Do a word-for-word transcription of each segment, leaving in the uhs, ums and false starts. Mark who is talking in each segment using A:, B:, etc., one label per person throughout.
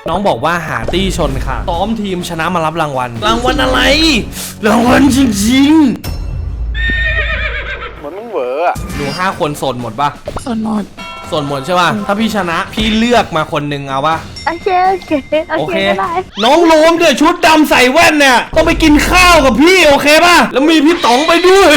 A: น้องบอกว่าหาตี้ชนค่ะซ้อมทีมชนะมารับรางวัลรางวัลอะไรรางวัลจริงๆ
B: เหมือนมึงเหวออะ
A: หนูห้าคนโสดหมดปะ
C: ส่วนหมด
A: โสดหมดใช่ป่ะถ้าพี่ชนะพี่เลือกมาคนหนึ่งเอาปะ
D: โอเคโอเคโอ
A: โอ
D: เค
A: เค
D: ก็ได้
A: น้องโลมเดี๋ยวชุดดำใส่แว่นเนี่ยต้องไปกินข้าวกับพี่โอเคป่ะแล้วมีพี่ต๋องไปด้วย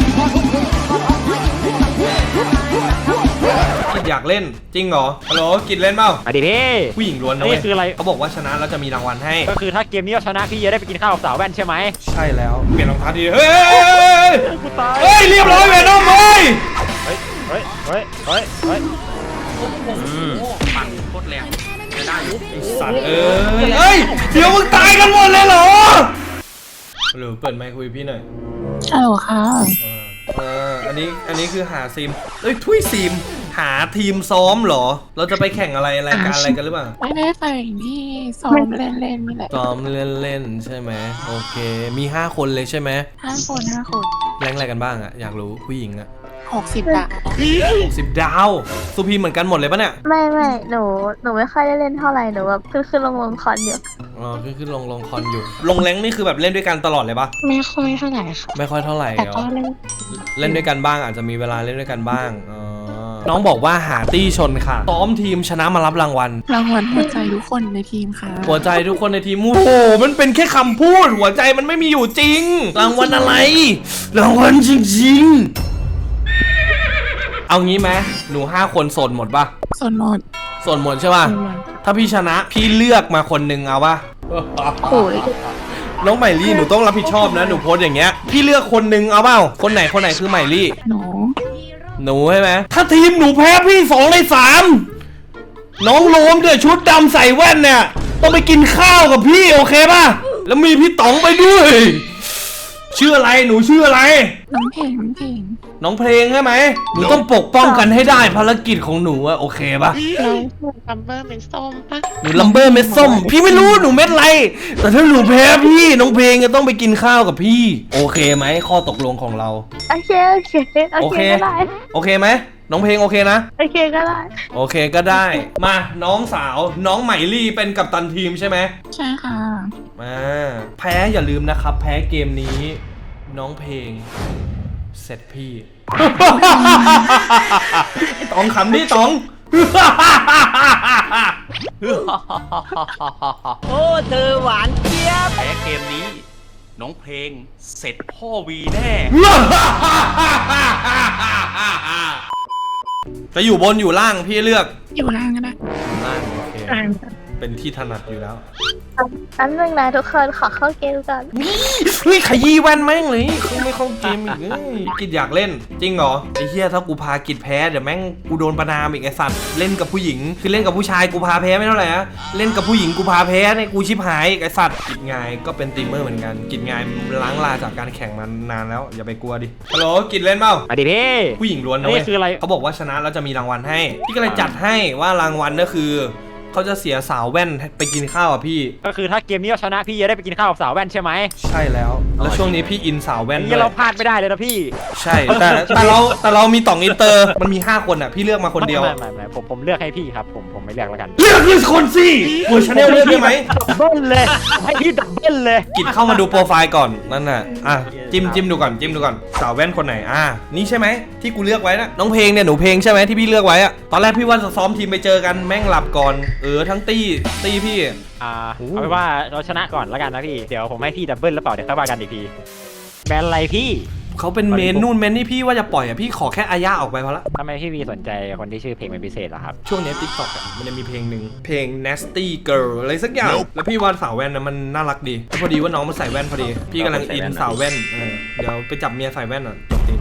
A: กิดอยากเล่นจริงเหรอฮัลโหลกิดเล่นเปล่า
E: มาดิพี่
A: ผู้หญิงล้วนนะ
E: นี่
A: เว้ย
E: คืออะไร
A: เขาบอกว่าชนะแล้วจะมีรางวัลให้
E: ก็คือถ้าเกมนี้เราชนะพี่จะได้ไปกินข้าวกับสาวแว่นใช่ไหม
A: ใช่แล้วเปลี่ยนรองเท้าดีเฮ้ย
E: กูตาย
A: เฮ้ยเรียบร้อยเวนอมเฮ้ย
E: เฮ้ยเฮ้ยเฮ้ยเฮ้ยเฮ้ย
F: ปั่นโคตรแรงจะได้อยู่
A: สัตว์เอ้ยเฮ้ยเดี๋ยวมึงตายกันหมดเลยเหรอหรือเปิดไมค์คุยพี่หน่อย
C: ฮัลโหลค่ะ
A: เอออันนี้อันนี้คือหาซีมเอ้ยทุยซีมหาทีมซ้อมเหรอเราจะไปแข่งอะไรรายการอะไรกันหรือเปล่า
C: ไม่ได้ไปที่ซ้อมเล่นๆนี่แหละ
A: ซ้อมเล่นๆใช่ไหมโอเคมีห้าคนเลยใช่ไหม
C: ห้าคนห้าคน
A: แรงอะไรกันบ้างอะอยากรู้ผู้หญิงอะ
C: หกสิบดาว
A: สิบดาวสุพีเหมือนกันหมดเลยปะเนี่ย
D: ไม่ไม่หนูหนูไม่ค่อยได้เล่นเท่าไหร่หนูแบบขึ้นขึ้นลงลงคอนอยู่
A: อ๋อขึ้นขึ้นลงลงคอนอยู่ลงแรงนี่คือแบบเล่นด้วยกันตลอดเลยปะ
C: ไม่ค่อยเท่าไหร่ค่ะ
A: ไม่ค่อยเท่าไหร่
C: แต่
A: เหร
C: ก็
A: อ
C: เล่น
A: เล่นด้วยกันบ้างอาจจะมีเวลาเล่นด้วยกันบ้างอ๋อน้องบอกว่าหาตี้ชนค่ะซ้อมทีมชนะมารับรางวัล
C: รางวัลหัวใจทุกคนในทีมค่ะ
A: หัวใจทุกคนในทีมโอ้โหมันเป็นแค่คำพูดหัวใจมันไม่มีอยู่จริง รางวัลอะไรรางวัลจริงๆเอางี้ไหมหนูห้าคนโสดหมดปะ
C: ส่วนหมด
A: โสดหมดใช่ป่ะ
C: ส่วนหมด
A: ถ้าพี่ชนะพี่เลือกมาคนหนึ่งเอาปะ
D: โอ้ย
A: น้องใหม่ลี่หนูต้องรับผิดชอบนะหนูโพสต์อย่างเงี้ยพี่เลือกคนหนึ่งเอาเปล่าคนไหนคนไหนคือใหม่ลี่
C: หนู
A: หนูใช่ไหมถ้าทีมหนูแพ้พี่สองในสามน้องโลมเดี๋ยวชุดดำใส่แว่นเนี่ยต้องไปกินข้าวกับพี่โอเคป่ะแล้วมีพี่ต๋องไปด้วยชื่ออะไรหนูชื่ออะไร
C: น้องเพลงน้องเพลง
A: น้องเพลงใช่ไหมหนูต้องปกป้องกันให้ได้ภารกิจของหนูอะโอเคป่ะ
C: เราลัมเบอร์เป็นส้มปะ
A: หนูลัมเบอร์เม็ดส้มพี่ไม่รู้หนูเม็ดอะไรแต่ถ้าหนูแพ้พี่น้องเพลงจะต้องไปกินข้าวกับพี่โอเคไหมข้อตกลงของเรา
D: โอเคโอเคโอ
A: โอ
D: เค
A: เค
D: ก็ได้
A: โอเคไหมน้องเพลงโอเคนะ
D: โอเคก็ได้
A: โอเคก็ได้ มาน้องสาวน้องใหม่ลี่เป็นกัปตันทีมใช่ไหม
C: ใช่ค่ะ
A: มาแพ้อย่าลืมนะครับ แพ้เกมนี้ น้องเพลงเสร็จพี่ ไอ้ต๋องขำนี่ต๋อง
F: โอ้เธอหวานเจี๊ยบแพ้เกมนี้ น้องเพลงเสร็จพ่อวีแน่
A: จะอยู่บนอยู่ล่างพี่เลือก
C: อยู่ล่างก็ได้
A: ล่างโอเค
C: ล่าง
A: เป็นที่ถนัดอยู่แล้ว
D: อันนึงนะทุกคนขอเข้าเกมก่อน
A: เฮ้ยขยี้แว่นแม่งเลยเขาไม่เข้าเกมอีกเอ้ยกิดอยากเล่น จริงเหรอไอ้เหี้ยถ้ากูพากิดแพ้เดี๋ยวแม่งกูโดนประนามอีกไอ้สัตว์เล่นกับผู้หญิงคือเล่นกับผู้ชายกูพาแพ้ไม่เท่าไหร่นะเล่นกับผู้หญิงกูพาแพ้เนี่ยกูชิบหายอีกไอ้สัตว์กิดงายก็เป็นตีมเมอร์เหมือนกันกิดงายล้างลาจากการแข่งมานานแล้วอย่าไปกลัวดิฮัลโหลกิดเล่นเปล่า
E: มาดิพี่
A: ผู้หญิงล้วนนะเว้ย
E: นี่คืออะไร
A: เขาบอกว่าชนะแล้วจะมีรางวัลให้พี่ก็เลยจัดให้ว่ารางวัลก็คือเขาจะเสียสาวแว่นไปกินข้าวอ่ะพี่
E: ก็คือถ้าเกมนี้เราชนะพี่จะได้ไปกินข้าวกับสาวแว่นใช่ไหม
A: ใช่แล้ว แล้วช่วงนี้พี่อินสาวแว่น
E: นี่
A: ด้วย
E: เราพลาดไม่ได้เลยนะพี่
A: ใช่ แต่แต่เราแต่เรามีต่องอินเตอร์ มันมีห้าคนอ่ะ พี่เลือกมาคนเดียว
E: ไม่ไม่ไม่ผมผมเลือกให้พี่ครับผมผมไม่เลือกแล้วกัน
A: เลือกคือคนสิหัวชาแนลเลือกได้ไหม
E: ดับเบิ้ลเลยให้พี่ดับเบิ้ลเลย
A: กิดเข้ามาดูโปรไฟล์ก่อนนั่นน่ะอ่ะจิ้มจิ้มดูก่อนจิ้มดูก่อนสาวแว่นคนไหนอ่ะนี่ใช่ไหมที่กูเลือกไว้นะน้องเพลงเนี่ยหนูเพลงใช่ไหมที่พี่เลือกไว้อะตอนแรกพี่ว่าจะซ้อมทีมไปเจอกันแม่งหลับก่อนเออทั้งตี้ตี้พี่
E: อ่า
A: โอ้
E: เอาเป็นว่าเราชนะก่อนแล้วกันนะพี่เดี๋ยวผมให้พี่ดับเบิ้ลแล้วเปล่าเดี๋ยวค่อยว่ากันอีกทีแบนอะไรพี่
A: เขาเป็นเมนนู่นเมนนี่พี่ว่าจะปล่อยอ่ะพี่ขอแค่อาญาออกไปพอละ
E: ทำไมพี่วีสนใจคนที่ชื่อเพลงเป็นพิเศษเหรอครับ
A: ช่วงนี้ติ๊กต็อกอ่ะมันจะมีเพลงหนึ่งเพลง nasty girl อะไรสักอย่าง แล้วพี่ว่าสาวแว่นนะมันน่ารักดีแล้วพอดีว่าน้องมันใส่แว่นพอดี พี่กำลังอินสาวแว่นเออเดี๋ยวไปจับเมียใส่แว่นอ่ะจบติง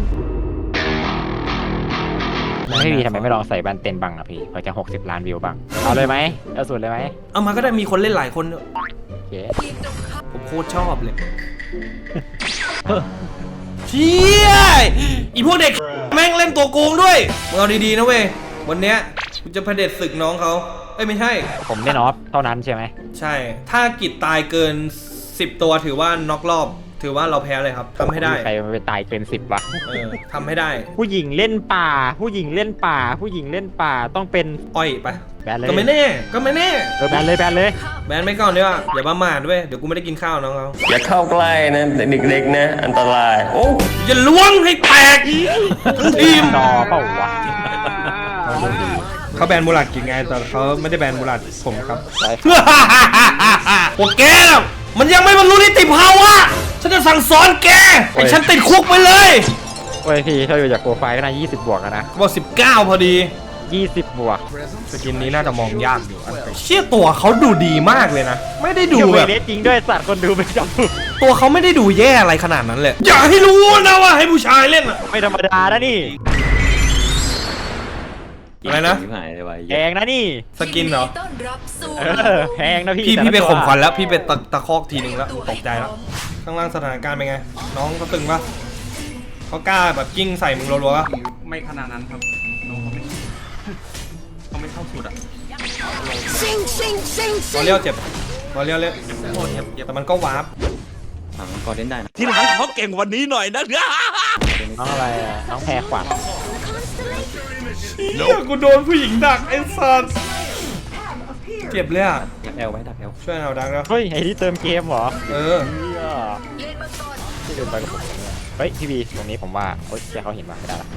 E: พี่วีทำไมไม่ลองใส่แบนเต็นบังอ่ะพี่เพื่อจะหกสิบล้านวิวบ้างเอาเลยไหมเอาสุดเลยไหม
A: เอามาก็ได้มีคนเล่นหลายคนด้วย
E: โอเค
A: ผมโคตรชอบเลยเชี่ยอีพวกเด็กแม่งเล่นตัวโกงด้วยมึงเอาดีๆนะเว้ยวันเนี้ยกูจะเผด็จศึกน้องเขาเอ้ยไม่ใช่
E: ผมเล่นออฟเท่านั้นใช่ไหม
A: ใช่ ถ้ากิจตายเกินสิบตัวถือว่าน็อกรอบ ถือว่าเราแพ้เลยครับทำให้ได้
E: ใครมันไปตายเกินสิบวะ
A: เออทำให้ได้
E: ผู้หญิงเล่นป่า ผู้หญิงเล่นป่า ผู้หญิงเล่นป่าต้องเป็น
A: อ้อยไป
E: แบนเลย
A: ก็ไม่แน่ก็ไม่แน่
E: เออแบนเลยแบนเลย
A: แบนไม่ก่อนดีกว่าอย่าประมาทด้วยเดี๋ยวกูไม่ได้กินข้าวน้องเขา
B: อย่าเข้าใกล้นะเด็กๆนะอันตรายโอ้
A: อย่าล้วงให้แตกทั้งทีม
E: ต่อเปล่าวะ
A: เขาแบนมูลัดกินไงแต่เขาไม่ได้แบนมูลัดผมครับ โอเคแล้วมันยังไม่บรรลุนิติภาวะฉันจะสั่งสอนแกให้ฉันติดคุกไปเลย
E: โอ้ยพี่ถ้าอยู่จากโปรไฟล์ก็น่ายี่สิบบวกแล้วนะ
A: บอกสิบเก้าพอดี
E: ยี่สิบบวก
A: สกินนี้น่าจะมองยากอยู่เชี่ยตัวเขาดูดีมากเลยนะไม่ได้ดู
E: ดู
A: แบ
E: แบบ บจริงด้วยสัตว์คนดูไม่จำ
A: ตัวเขาไม่ได้ดูแย่อะไรขนาดนั้นเลยอย่าให้รู้นะว่าให้ผู้ชายเล่นอะ
E: ไม่ธรรมดานะนี่
A: อะไรนะ
B: หายเลยว่ะ
E: แพงนะนี่
A: สกินเหรอ
E: เออแพงนะพี่
A: พี่
E: แต่
A: พี่ไป
E: ละตัว
A: ข่มขวัญแล้วพี่ไปตะตะคอกทีนึงแล้วตกใจแล้วข้างล่างสถานการณ์เป็นไง น้องเขาตึงปะเขากล้าแบบกิ้งใส่มึงรัวๆปะ
F: ไม่ขนาดนั้นครับน้องเขาไม่เขาไม่เข้าสุดอ่ะ
A: รอเลี้ยวเจ็บรอเลี้ยวเล่นแต่มันก็วาร์ป
B: ถามก่อนเล่นได้นะ
F: ที่หลังเขาเก่งกวันนี้หน่อยนะ
E: น้องอะไรอะน้องแพรขวัญ
A: เฮียกูโดนผู้หญิงดักไอ้สัสเจ็บเลยอ่ะ
B: ดักแอลไว้ดักแอล
A: ช่วยเอาดักแล้ว
E: เฮ้ยไอ้ที่เติมเกมเหรอ
A: เออ
E: เหี้ยที่เดินไปกับผมเนี่ยเฮ้ยพี่บีตรงนี้ผมว่าเฮ้ยแกเขาเห็นมาไม่ได้ละ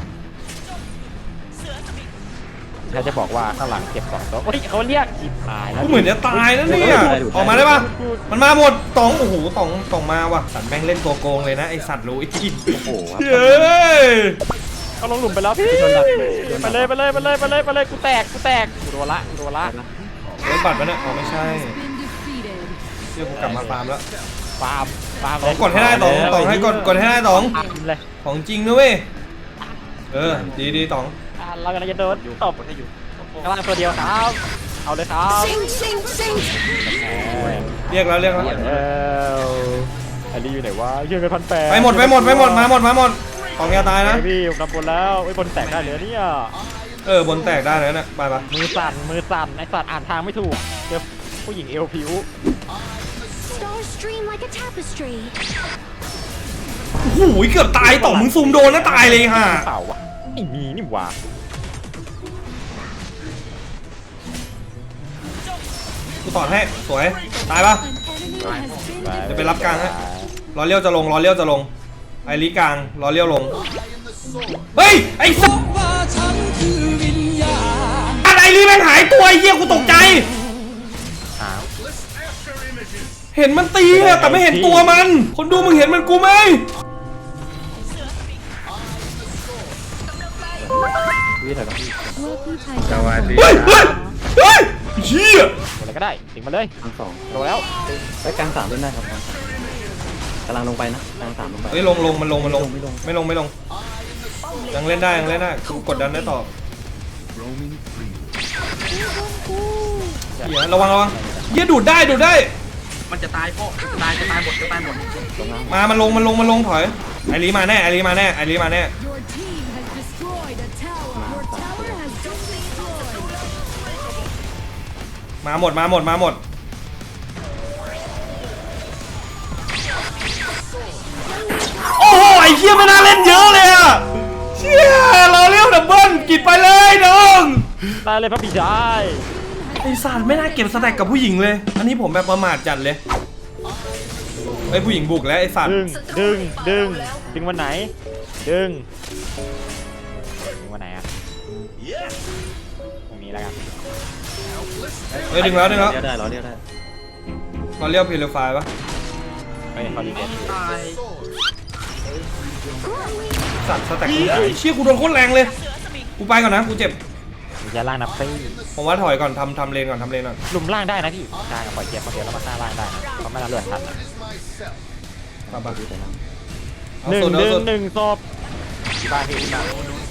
E: ถ้าจะบอกว่าข้างหลังเก็บสองตัวเฮ้ยเขาเรียกจิบหายแล้ว
A: กูเหมือนจะตายนะเนี่ยออกมาได้ปะมันมาหมดตองโอ้โหตองตองมาว่ะสันแม่งเล่นตัวโกงเลยนะไอสัตว์รู้อีก
B: โอ้โห
A: เฮ้ย
E: เขาลงหลุมไปแล้วพี่ไปเลยไปเลยไปเลยไปเลยไปเลยกูแตกกูแตกกูโดนละกูโดนละ
A: รถบัตรปะเนี่ยอ๋อไม่ใช่เดี๋ยวกูกลับมาฟาร์มแล้ว
E: ฟาร์มฟาร์ม
A: ตองกดให้ได้ตองตองให้กดกดให้ได้ตอง
E: ฟาร์มเลย
A: ของจริงนะเว้ยเออดีดีตอง
E: อ่ะเรากำลังจะโดนตบให้อยู่กำลังตัวเดียวครับเอาเลยครับเออ
A: เรียกแล้วเรียกแล้ว
E: เออไอ้นี่อยู่ไหนวะเยื่อกันพันแปด
A: ไปหมดไปหมดไปหมดมาหมดมาหมดตองอย่าตายนะ
E: พี่ผมนำบนแล้วไอ้ยบนแตกได้เลยเนี่ย
A: เออบนแตกได้แล้วเนี่ยไปปะ
E: มือสั่นมือสั่นไอ้สัตว์อ่านทางไม่ถูกเจอผู้หญิงเอวผิว
G: Stars stream like a tapestry.
A: โอ้โหเกือบตายตองมึงซูมโดนแล้วตายเลยฮะ
E: เปล่าวะไม่มีนี่หว่า
A: กูต่อให้สวยตายปะ
G: An enemy has been
A: เดี๋ยวไปรับกลางฮะ รอเลี้ยวจะลงรอเลี้ยวจะลงไอริกลางรอเลี้ยวลงเฮ้ยไอ้สัสไอริแม่งหายตัวไอ้เหี้ยกูตกใจ
E: อ้าว
A: เห็นมันตีอะแต่ไม่เห็นตัวมัน คนดูมึงเห็นมันกูไหม
B: พี่ถ่ายก่อน
G: สวัสดี
A: เฮ้ยเฮ้ยเฮ้ยเหี้ย
E: อะไรก็ได้ถึงมาเลย
B: ทั้งสอง
E: โดนแล้ว
B: ไปกลางสามเล่นได้ครับกลางสามกำลังลงไปนะกลางสามลงไป
A: เฮ้ยลงลงมันลงมันลง
B: ไม่ลง
A: ไม่ลงไม่ลงยังเล่นได้ยังเล่นได้กูกดดันได้ต่อเหี้ยระวังระวังเหี้ยดูดได้ดูดได้
F: มันจะตายพ่อจะตายจะตายหมดจะตายหมด
B: ลงล่าง
A: มามันลงมันลงมันลงถอยไอริมาแน่ไอริมาแน่ไอริมาแน่
G: Your team has destroyed a tower. Your tower has been destroyed.
A: มาหมดมาหมดมาหมดโอ้โหไอ้เหี้ยไม่น่าเล่นเยอะเลยอะเชี่ยรอเลี้ยวดับเบิ้ลกินไปเลยน้อง
E: ได้เลยพระพี่ชาย
A: ไอ้สัตว์ไม่น่าเก็บสแต็กกับผู้หญิงเลย อันนี้ผมแบบประมาทจัดเลยไอ้ผู้หญิงบุกแล้วไอ้สัตว์
E: ดึงดึงดึงดึงวันไหนดึงดึงวันไหนอะตรงนี้แล้วกัน
A: เฮ้ยดึงแล้วดึงแล้ว
B: เลี้ยวได้เหรอเลี้ยวได้
A: รอเลี้ยวเพลไฟปะ
E: ไม่เขาดีเด็ด
F: ตาย
A: สัตว์สแต็กกูหายเชี่ยกูโดนโคตรแรงเลยกูไปก่อนนะกูเจ็บ
E: มีแค่ล่างนับซี่
A: ผมว่าถอยก่อนทำทำเลนก่อนทำเลนก่อน
E: หลุมล่างได้นะพี่ใช่ปล่อยเกมคนเดียวแล้วมาฆ่าล่างได้นะเพราะไม่น่าเลือดทันนะ
A: ปะปะ
B: พี่แต่ล่าง
A: เอา
E: หนึ่ง
A: สุด
E: ห
A: เอา
E: นึ่ง
A: สุด
E: หนึ่งศพที่บ้านพี่ที่บ้าน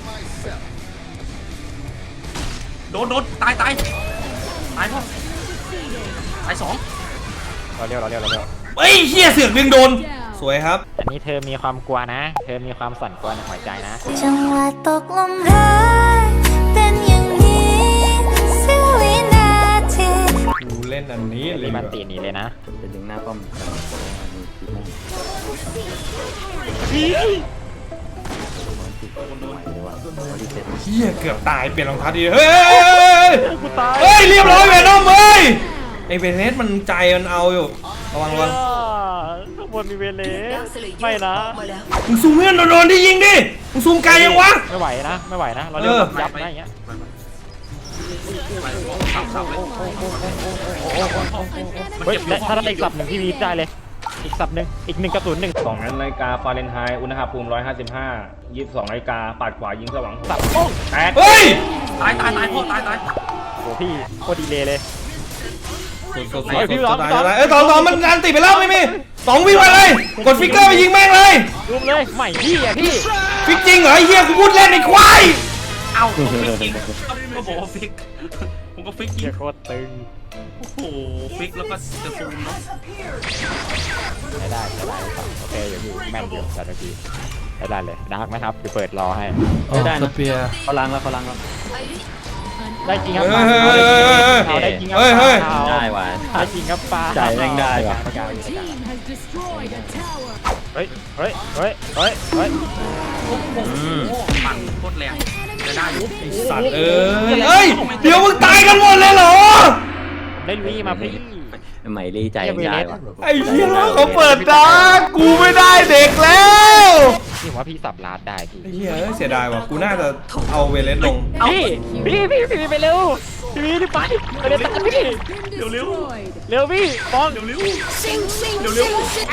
F: โดนโดนตายตายตายพ่อตายสอง
E: เราเร็วเราเร็วเราเร็ว
A: เฮ้ยเฮียเสือกดึงโดน สวยครับ
E: อันนี้เธอมีความกลัวนะ เธอมีความสั่นกลัวในหัวใจนะ
G: จังหวะตกลมรักเป็นอย่างนี้เสี้ยววินาที
A: กูเล่นอันนี้เลย
E: มีมัน
A: ว่ะ
E: ตีหนีเลยนะ
B: เป็นดึงหน้าป้อมกำลังจะลงมามีคลิปแม่ง
F: โดนโดน
B: เดี๋ยวว่ารีเซ็ต
A: เฮียเกือบตายเปลี่ยนรองเท้าดีเฮ้ย
E: กูตาย
A: เฮ้ยเรียบร้อยเวนอมเฮ้ยไอเวเนสมันใจมันเอาอยู่ระวังระวัง
E: ข้างบนมีเวเลสไม่นะ
A: มึงซูมเพื่อนโดนที่ยิงดิมึงซูมไกลยังวะ
E: ไม่ไหวนะไม่ไหวนะเราเล่น
A: เออ
E: แบบยับนะอย่างเงี้ย
F: สับสับเลย
E: เฮ้ยและถ้าได้อีกสับหนึ่งพี่วีได้เลย อีกสับหนึ่งอีกหนึ่งกระสุนหนึ่ง
H: สองนาฬิกาฟาเรนไฮต์อุณหภูมิหนึ่งร้อยห้าสิบห้า ยี่สิบสองนาฬิกาปัดขวายิงสว่าง
E: สับโอ้
H: แตก
A: เฮ้ย
F: ตายตายตายพ่อตายตาย
E: โหพี่โคตรดีเลยเลย
A: สดๆ
E: เฮ้ยพี่ร้อง
A: ตายตายเอ้ยสองสองมันงานติดไปแล้วไม่มีสองวิ่งไปเลยกดฟิกเกอร์ไปยิงแม่งเลย
E: รุมเลยใหม่พี่อ่ะพี่
A: ฟิกจริงเหรอไอ้เหี้ยกูพูดเล่นไอ้ควาย
F: เอ้าก็ฟิกจริงก็บอกว่าฟิกผมก็ฟิกจริ
E: เฮี
F: ง
E: ยโคตรตึง
F: โอ้โหฟิกแล้วก็จะซูมเนาะ
E: ใช้ได้ใช้ได้สับโอเคอยู่พี่แม่นอยู่แต่เมื่อกี้ใช้ได้เลยดาร์กไหมครับเดี๋ยวเปิดรอให้
B: ได้
A: ส
B: นะ
A: เปียร์
B: เขาล้างแล้วเขาล้างแล้ว
E: ได้จริงครับ
A: เฮ้ยเฮ้ยเฮ้ยเฮ้ย
E: เอาได้จริงครับ
A: เฮ้ยเฮ้ย
E: เอา
B: ได้ว่ะ
E: ได้จริงครับปลา
B: ใจแม่งได้ว่ะ
E: เฮ้ยเฮ้ยเฮ้ยเฮ้ยเฮ้ย
F: ปั่นโคตรแรงจะได้อยู่
A: สัตว์เอ้ยเฮ้ยเดี๋ยวมึงตายกันหมดเลยเหรอ
E: ได้ลุยมาพี่
B: ใหม่รีใจแม่งได้ว่ะ
A: ไอ้เหี้ยเขาเปิดดาร์กกูไม่ได้เด็กแล้ว
E: พี่ผมว่าพี่สับลาดได้พี่
A: ไอ้เหี้ยเอ้ยเสียดายว่ะกูน่าจะเอาเวเลสลง
E: พี่พี่พี่พี่ไปเร็วพี่พี่ไปไปเร็วตามพี่
F: เร็วเร็ว
E: เร็วพี่ปอง
F: เร็วเร็ว
G: เร็วเร็ว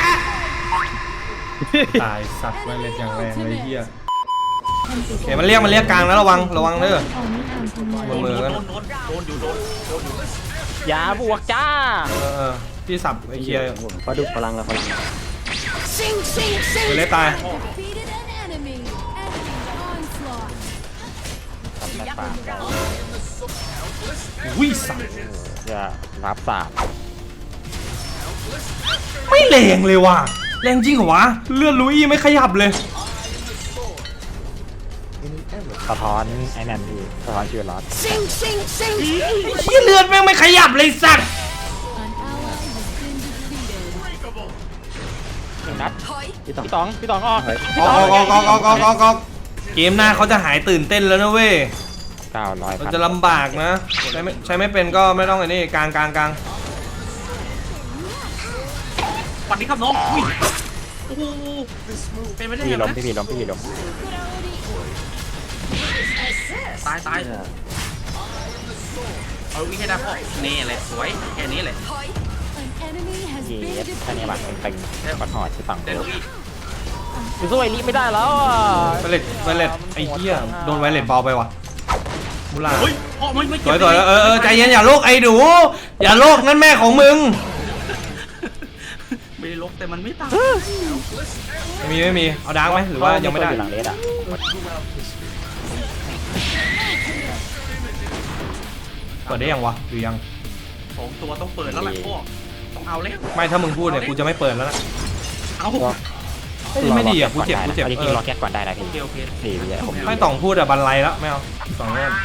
A: ตายสัตว์เวเลสอย่างแรงเลยไอ้เหี้ยโอเคมันเรียกมันเรียกกลางแล้วระวังระวังเด้อ
F: โด
A: บน
F: น
A: มือ
F: โด
A: กัน
F: นโดนโดนอยู่โดนโดนอยู่
E: อย่าบวกจ้า
A: เออเออพี่สับไอ้เคลียร์
B: เขาดูพลังแล้วพลัง
A: เวเลสตาย อุ้ยสัตว์
E: อย่ารับสาบ
A: ไม่แรงเลยว่ะแรงจริงเหรอวะเลือดลุยไม่ขยับเลย
E: สะท้อนไอ้นั่นพี่สะท้อนชีวิตรอด
A: ไอ้เหี้ยเลือดแม่งไม่ขยับเลยสัตว์
E: หนึ่งนัด
B: พี่ต่อ
E: พี่ต๋องพี่ต๋องออก
A: ออกออกออกออกออกออกออกเกมหน้าเขาจะหายตื่นเต้นแล้วนะเว้ย
E: เก้าร้อย
A: เราจะลำบากนะใช้ไม่ใช้ไม่เป็นก็ไม่ต้องไอ้นี่กลางกลางกลาง
F: ปั่นนี้ครับน้องอุ้ยโอ้โหเป็นไม่ได้
E: พี่
F: ยัง
E: ล้ม
F: ไง
E: พี่พี่ล้มพี่ล้ม
F: ตายตายเอาวิ่งให้ได้พ่อนี่แหละสวยแค่นี้แหละ
E: เย็ดแค่นี้หลังเป็นเป็นบัตรหอดที่ฝั่ง
F: ได้ลุย
E: ดูสู้ไอริไม่ได้แล้วอ่ะ
A: ไวเลตไวเลตไอ้เหี้ยโดนไวเลตเบาไปว่ะมูลา
F: เฮ้ยพ่อไม่ไม่
A: สวยสวยเออเออใจเย็นอย่าโลกไอ้ดูอย่าโลกนั่นแม่ของมึง
F: ไม่ได้ลบแต่มันไม่ตาย
A: ไม่มีไม่มีเอาดาร์กไหมหรือว่ายังไม่ได้
E: อยู่หลังเลสอ่ะ
A: เปิดได้ยังวะหรือยัง
F: สองตัวต้องเปิดแล้วล่ะพ่อต้องเอาแล้ว
A: ไม่ถ้ามึงพูดเนี่ยกูจะไม่เปิดแล้วนะ
F: เอา
A: เฮ้ยไม่ดีอ่ะกูเจ็บกูเจ็บ
E: จ
A: เอ
E: ริง
A: อ
E: ๆรอแก๊สก่อนได้นะ
F: โอ
E: พี่
F: เคโอเค
E: สี่พี่ผม
A: ไม่ต้องพูดอ่ะบันไลแล้วไม่เอาสองเล่ม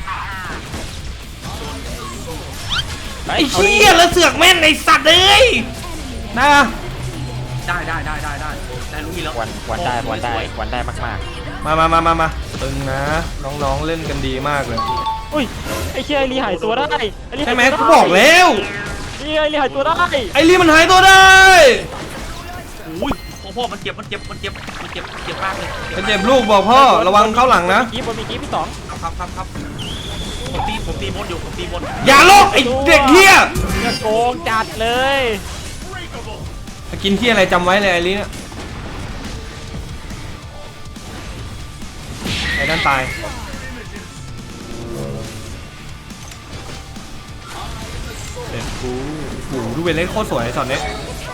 A: ไอ้เหี้ยแล้วเสือกแม่นไอ้สัตว์เลยนะ
F: ได้ได้ได้ได้ได้ได้ลุยแล้ว
E: วันวันได้วันได้วันได้มาก
A: มามามามามาตึงนะน้องๆเล่นกันดีมากเลย
E: ๆอุ้ยไอ้เชี่ยไอรีหายตัวได้ไอ้รี
A: ใช่ไหมกูบอกแล้ว
E: ไอ้รีหายตัวได้
A: ไอ้ลี่มันหายตัวได้
F: อุ้ยพ่อพ่อมันเจ็บมันเจ็บมันเจ็บมันเจ็บเจ็บมากเลย
A: ไปเจ็บลูกบอกพ่อระวังเข้าหลังนะ
E: กีบบนมีกีบพี่สอง
F: ครับครับครับผมตีผมตีบนอยู่ผมตีบน
A: อย่าโลกไอ้เด็กเหี้ย
E: จะโกงจัดเลย
A: กินที่อะไรจำไว้เลยไอ้ลี่เนี่ยไอ้นั่นตายเด็ดกูโอ้โหดูเวลเล่นโคตรสวยช็อตนี้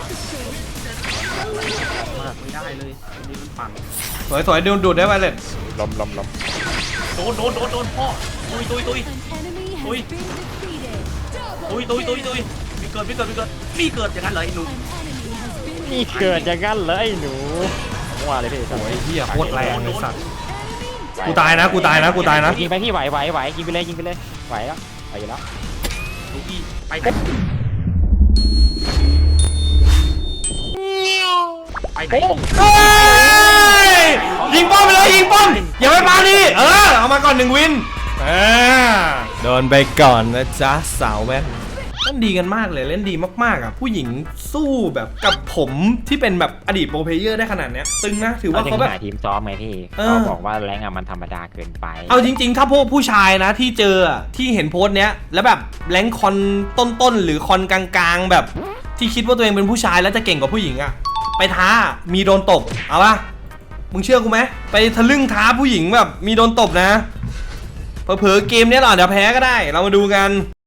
F: มากไม่ได้เลยอันนี้มันปั่น
A: สวยสวยดูดูดได้ไวเลย
E: ล้มล้มล้ม
F: โดนโดนโดนโดนพ่อตุยตุยตุยตุยตุยตุยตุยตุยมีเกิดมีเกิดมีเกิดมีเกิดอย่างนั้นเลยไอ้หนุ่ม
E: นี่เกิดอย่างนั้นเลยไอ้หนูว่าเลยพี่
A: โอ้ยเหี้ยโคตรแรงเลยสัตว์กูตายนะกูตายนะกูตายนะ
E: ยิงไปพี่ไหวไหวไหวยิงไปเลยยิงไปเลยไหวแล้วไหวอยู่แล้ว
F: ดูพี่ไปไปไหน
A: เฮ้ยยิงป้อมไปเลยยิงป้อมอย่าไปปาดิเออเอามาก่อนหนึ่งวินอ่าโดนไปก่อนนะจ๊ะสาวแว่นเล่นดีกันมากเลยเล่นดีมากๆอ่ะผู้หญิงสู้แบบกับผมที่เป็นแบบอดีตโปรเพลเยอร์ได้ขนาดเนี้ยตึงนะถือว่า
E: เรา
A: เขา
E: จะ
A: แบบ
E: หาทีมซ้อมไงพี่
A: เออ
E: เขาบอกว่าแรงอะมันธรรมดาเกินไป
A: เอาจริงๆ ถ้าพวกผู้ชายนะที่เจออะที่เห็นโพสต์เนี้ยแล้วแบบแรงค์คอนต้นๆหรือคอนกลางๆแบบที่คิดว่าตัวเองเป็นผู้ชายแล้วจะเก่งกว่าผู้หญิงอะไปท้ามีโดนตบเอาปะมึงเชื่อกูไหมไปทะลึ่งท้าผู้หญิงแบบมีโดนตบนะเผลอๆเกมเนี้ยหรอเดี๋ยวแพ้ก็ได้เรามาดูกัน